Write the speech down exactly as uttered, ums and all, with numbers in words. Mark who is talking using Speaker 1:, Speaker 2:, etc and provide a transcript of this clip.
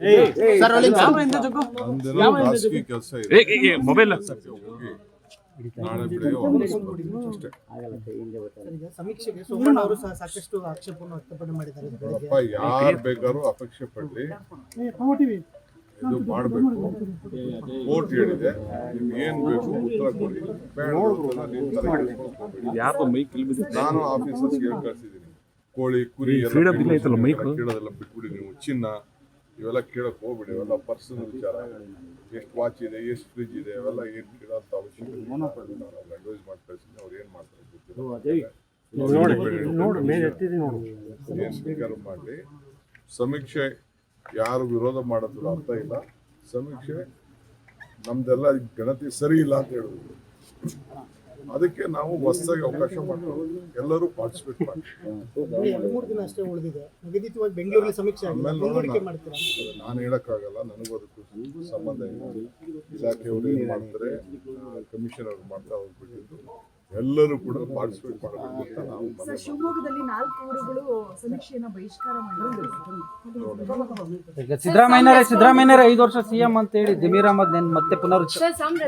Speaker 1: ಖಾಸಗಿ ಕೆಲಸ ಇದೆ,
Speaker 2: ಮೊಬೈಲ್
Speaker 1: ನಾಳೆ ಬೆಳಗ್ಗೆ ವಾಪಸ್ ಬರ್ತೀನಿ ಅಷ್ಟೇ.
Speaker 3: ಸಮೀಕ್ಷೆಗೆ ಸೋಮಣ್ಣ ಅವರು ಸಹ ಸಾಕಷ್ಟು ಆಕ್ಷೇಪವನ್ನು ವ್ಯಕ್ತಪಡಿಸಿ ಮಾಡಿದ್ದಾರೆ.
Speaker 1: ಅಪ್ಪ ಯಾರು ಬೇಕಾದ್ರೂ ಅಪೇಕ್ಷೆ ಪಡ್ಲಿ, ಇದು ಮಾಡಬೇಕು. ಕೋರ್ಟ್ ಹೇಳಿದೆ, ನಿಮ್ಗೆ ಏನ್ ಬೇಕು ಉತ್ತರ ಕೊಡಿ, ಬೇಡ ಅಂತ ನೀವು ತಲೆ ಕೆಡಿಸ್ಕೊಳ್ಳೋಕೆ ಹೋಗ್ಬೇಡಿ. ನಾನು ಆಫೀಸರ್ಸ್ಗೆ ಹೇಳಿ ಕಳ್ಸಿದ್ದೀನಿ, ಕೋಳಿ ಕುರಿ ಎಲ್ಲ ಕೇಳೋದೆಲ್ಲ ಬಿಟ್ಬಿಡಿ. ನೀವು ಚಿನ್ನ ಇವೆಲ್ಲ ಕೇಳಕ್ ಹೋಗ್ಬಿಡಿ, ಇವೆಲ್ಲ ಪರ್ಸನಲ್ ವಿಚಾರ. ಎಷ್ಟು ವಾಚ್ ಇದೆ, ಎಷ್ಟು ಫ್ರಿಜ್ ಇದೆ, ಅವೆಲ್ಲ ಏನ್ ಕೇಳೋಂಥ ಅವಶ್ಯಕತೆ ನಾನು ಅಡ್ವೈಸ್ ಮಾಡಿ ಕಳ್ಸಿದ್ದೀನಿ. ಅವ್ರು ಏನ್ ಮಾಡ್ತಾರೆ ಗೊತ್ತಿಲ್ಲ, ಏನ್ ಬೇಕಾದ್ರೂ ಮಾಡಲಿ. ಸಮೀಕ್ಷೆ ಯಾರು ವಿರೋಧ ಮಾಡೋದ್ರ ಅರ್ಥ ಇಲ್ಲ. ಸಮೀಕ್ಷೆ ನಮ್ದೆಲ್ಲ ಗಣತಿ ಸರಿ ಇಲ್ಲ ಅಂತ ಹೇಳಿದ್ರು, ಅದಕ್ಕೆ ನಾವು ಹೊಸದಾಗಿ ಅವಕಾಶ ಮಾಡ್ತೀವಿ. ಎಲ್ಲರೂ ಪಾರ್ಟಿಸಿಪೇಟ್ ಮಾಡಿ.
Speaker 3: ಮೂರು ದಿನ ಅಷ್ಟೇ ಉಳಿದಿದೆ, ನಿಗದಿತವಾಗಿ ಬೆಂಗಳೂರಲ್ಲಿ ಸಮೀಕ್ಷೆ ಮಾಡ್ತೀರಾ?
Speaker 1: ನಾನು ಹೇಳಕ್ಕಾಗಲ್ಲ, ನನಗೂ ಅದಕ್ಕೂ ಸಂಬಂಧ ಇಲ್ಲ. ಇಲಾಖೆಯವರು ಏನು ಮಾಡ್ತಾರೆ, ಕಮಿಷನ್ ಅವರು ಮಾಡ್ತಾ ಹೋಗ್ಬಿಟ್ಟಿದ್ದು, ಎಲ್ಲರೂ ಕೂಡ ಪಾರ್ಟಿಸಿಪೇಟ್ ಮಾಡಬೇಕು ಅಂತ ನಾವು.
Speaker 4: ಶಿವಮೊಗ್ಗದಲ್ಲಿ ನಾಲ್ಕು ಊರುಗಳು ಸಮೀಕ್ಷೆಯನ್ನ ಬಹಿಷ್ಕಾರ ಮಾಡಿದ್ರು.
Speaker 5: ಸಿದ್ದರಾಮಯ್ಯ ಸಿದ್ದರಾಮಯ್ಯ ಐದು ವರ್ಷ ಸಿಎಂ ಅಂತ ಹೇಳಿ ಜಮೀರ್ ಅಹಮದ್ ಮತ್ತೆ ಪುನರುಚ್ಚ